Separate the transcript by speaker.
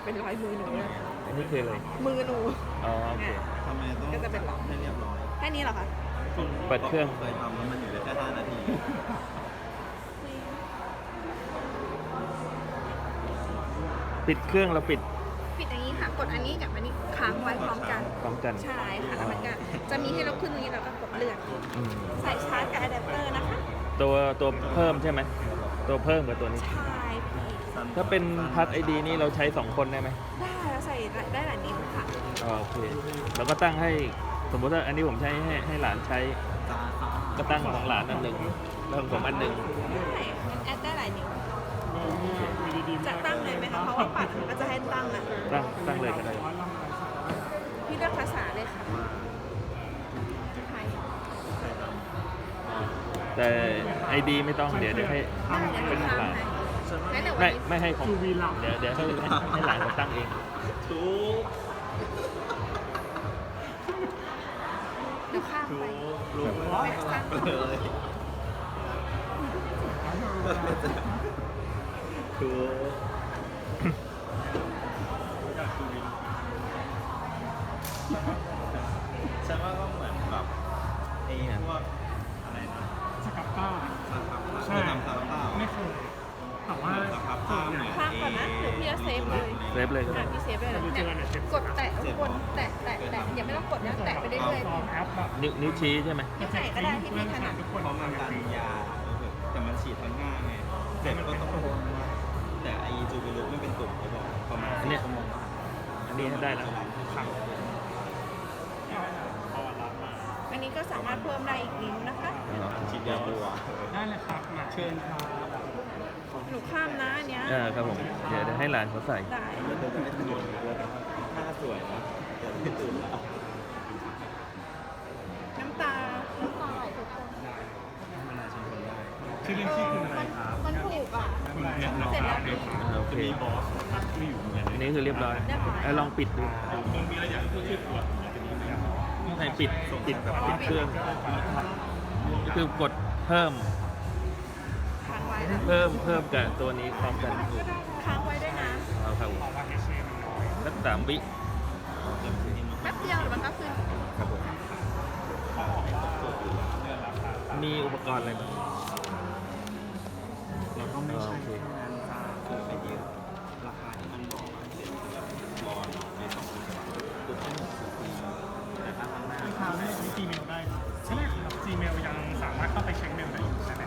Speaker 1: เป็นรอยมือหนูเลย
Speaker 2: อันนี้คืออะไร
Speaker 1: มือหนู
Speaker 2: อ๋อโอเค
Speaker 3: ทำไมต้อง
Speaker 1: ก็จะเป็นหลอด
Speaker 3: ให้เรียบร้อย
Speaker 1: แค่นี้เหรอคะ
Speaker 2: เปิดเครื่อง
Speaker 3: เคยทำแล้วมันอยู่ได้แค่5 นาที
Speaker 2: ปิดเครื่องเราปิด
Speaker 1: ปิดอย่างนี้ค่ะ กดอันนี้กับอันนี้ค้างไว้พร้อมกัน
Speaker 2: พร้อมกัน
Speaker 1: ใช่ค่ะแล้วมันก็จะมีให้เราขึ้นตรงนี้แล้วก็กดเลื่อน
Speaker 2: อืม
Speaker 1: ใส่ชาร์จกับอะแดปเตอร์นะคะ
Speaker 2: ตัวเพิ่มใช่ไหมตัวเพิ่มกับตัวนี้
Speaker 1: ใช่พี่
Speaker 2: ถ้าเป็นพัดไอดีนี่เราใช้ 2 คนได้ไหม
Speaker 1: ได้แล้วใส่ได้หลายนิ้วค่ะ
Speaker 2: อ๋อโอเคเราก็ตั้งให้สมมติว่าอันนี้ผมใช้ให้หลานใช้ ก็ตั้งของหลานอันหนึ่งแล้วของผมอันหนึ่ง
Speaker 1: ได้มันแอดได้หลายนิ้วจะตั้งเลยไหมคะ เพราะว่าปัดมันก็จะให้ตั้งอ่ะ
Speaker 2: ตั้งเลยก็ได้
Speaker 1: พี่เลือกภาษาเลยค่ะไทย
Speaker 2: แต่ไอดีไม่ต้องเดี๋ยวให้
Speaker 1: ได้เดี๋ยว
Speaker 2: เป็น
Speaker 1: หนู
Speaker 2: ของหลาน
Speaker 1: ทำให้งั้นเดี๋ยววัน
Speaker 2: ไม่
Speaker 1: นี้
Speaker 2: ไม่ให้ของเดี๋ยวให้หลานเขาตั้งเอง
Speaker 3: ทุก
Speaker 1: เดี๋ยวข้าม
Speaker 3: ทุ
Speaker 1: ไป
Speaker 3: กลูก
Speaker 1: แม็กซ์ตั้ง
Speaker 3: เลยทุกฉันว่าก็เหมือนแบบไอ้พวกอะไรนะ
Speaker 4: สกับป้า
Speaker 3: สครับ
Speaker 4: ใช่
Speaker 3: ทำสครับเปล่า
Speaker 4: ไม่เคยแต่ว่า
Speaker 3: สครับเปล่าเหมือน
Speaker 1: ข้ามก่อนนะหรือพี่จะเซฟเลย
Speaker 2: เซฟเลยก็ได้
Speaker 1: พี่เซฟเลยเนี่ยกดแตะทุกคนแตะอย่าไม่ต้องกดนะแตะไปเรื่อย
Speaker 4: ลองแอปแบบ
Speaker 2: นิ้วชี้ใช่ไหม
Speaker 1: ๆที่ไหนก็ได้ที่พี่ถนัด
Speaker 4: ทุกคน
Speaker 3: เพราะมันดันยาแต่มันฉีดทั้งหน้าไงเจ็บก็ต้องแต่ไอจูบิลุกไม่เป็นตุ่มเขาบอกประมาณ4 ชั่วโมง
Speaker 2: อันนี้ได้แล้ว
Speaker 1: อันนี้ก็สามารถเพิ่มได้อีกนิ้วนะคะ
Speaker 3: ฉีดยาบัว
Speaker 4: ได้เลยครับมาเชิญครับ
Speaker 1: หนูข้ามนะอันเนี้ย
Speaker 2: ครับผมเดี๋ยวให้หลานเขาใส่
Speaker 1: ได้
Speaker 3: แล้วเธอจะไม่ตื่นเลยหน้าสวยนะแต่ไม่ตื่นแล้ว
Speaker 1: น้ำตาไหลทุกคน
Speaker 3: มันน่าชิมคนได้
Speaker 4: ชื่อเล่นชื่อคุณอะไรครับ
Speaker 1: มันถูกอ่ะ
Speaker 4: คุณเนี่ยน้อง
Speaker 1: เสร็จแล้ว
Speaker 2: โอเค
Speaker 4: มีบอสที่อยู่เนี่ย
Speaker 2: อันนี้คือเรียบร้อยลองปิดดู
Speaker 4: มึงมีอะไรอยากพูดชื่อตัวจะมีไหม
Speaker 2: ให้ปิดเครื่องคือกดเพิ่ม
Speaker 1: ค้างไว้นะ
Speaker 2: เพิ่มกับตัวนี้พร้อมกัน
Speaker 1: ค้างไว้ด้วยนะ
Speaker 2: เอาครับผม
Speaker 4: เพราะว่าเอชเอมันน้อย
Speaker 2: สัก3 วิ
Speaker 1: แป๊บเดียวเดี๋ยวมันก็ขึ้น
Speaker 2: ครับผมมีอุปกรณ์อะไรบ้าง
Speaker 3: แล้วก็ไม่ใช่แค่นั้นจ้าคือไปยืมราคาที่มันบอกเซ็นคือแบบรอใน2 ปีคือทั้งหมดคือปีแต่ถ้าครั้งหน้า
Speaker 4: ทางได้ใช้ Gmail ได้ใช่ไหมครับ Gmail ยังสามารถเข้าไปเช็คเมลได้อยู่ใช่ไหม